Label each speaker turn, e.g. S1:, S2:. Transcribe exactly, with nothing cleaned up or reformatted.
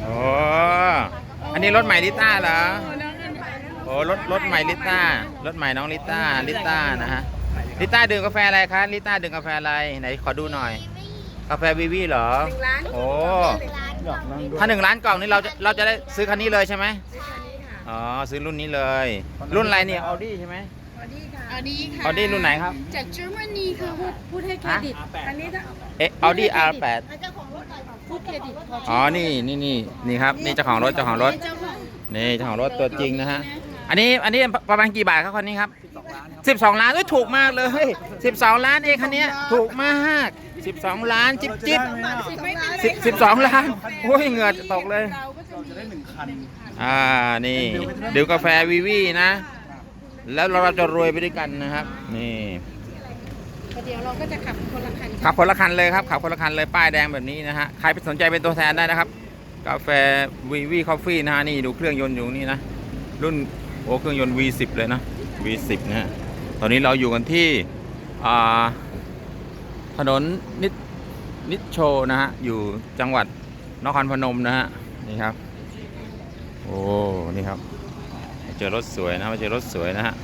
S1: โอ้อันนี้รถใหม่ลิต้าเหรอโอ้รถรถใหม่ลิต้ารถใหม่น้องลิต้าลิต้านะฮะลิต้าดื่มกาแฟอะไรคะลิต้าดื่มกาแฟอะไรไหนขอดูหน่อย กาแฟวีวีเหรอโอ้ถ้าหนึ่งล้านกล่องนี่เราจะเราจะได้ซื้อคันนี้เลยใช่ไหมอ๋อซื้อรุ่นนี้เลยรุ่นอะไรเนี่ยออดี้ใช่ไหม
S2: ออดี้ค่ะออดี้ค่ะ
S1: ออดี้รุ่นไหนครับ
S2: จากเยอรมนีค่ะพูดพูดให้เครดิตอันนี้ถ้า
S1: เอ๊ะออดี้ อาร์ แปด
S2: พูดเครดิต
S1: อ๋อนี่นี่นี่นี่ครับนี่เจ้าของรถเจ้าของรถนี่เจ้าของรถตัวจริงนะฮะอันนี้อันนี้ประมาณกี่บาทครับคันนี้ครับสิบสองล้านถูกมากเลยสิบสองล้านเองคันนี้ถูกมากสิบสองล้านจิ๊บจิ๊บสิบสิบสองล้านโอ้ยเหงื่อตกเลยอ่านี่ดื่มกาแฟวีวีนะแล้วเราจะรวยไปด้วยกันนะครับนี่
S2: เดี๋ยวเราก็จะขับคนละคัน
S1: ขับคนละคันเลยครับขับคนละคันเลยป้ายแดงแบบนี้นะฮะใครสนใจเป็นตัวแทนได้นะครับกาแฟวีวีคอฟฟี่นะฮะนี่ดูเครื่องยนต์อยู่นี่นะรุ่นโอ้เครื่องยนต์ วี สิบ เลยนะ วี สิบ นะฮะตอนนี้เราอยู่กันที่อ่าถนนนิดนิดโชนะฮะอยู่จังหวัดนครพนมนะฮะนี่ครับโอ้นี่ครับเจอรถสวยนะมาเจอรถสวยนะฮะ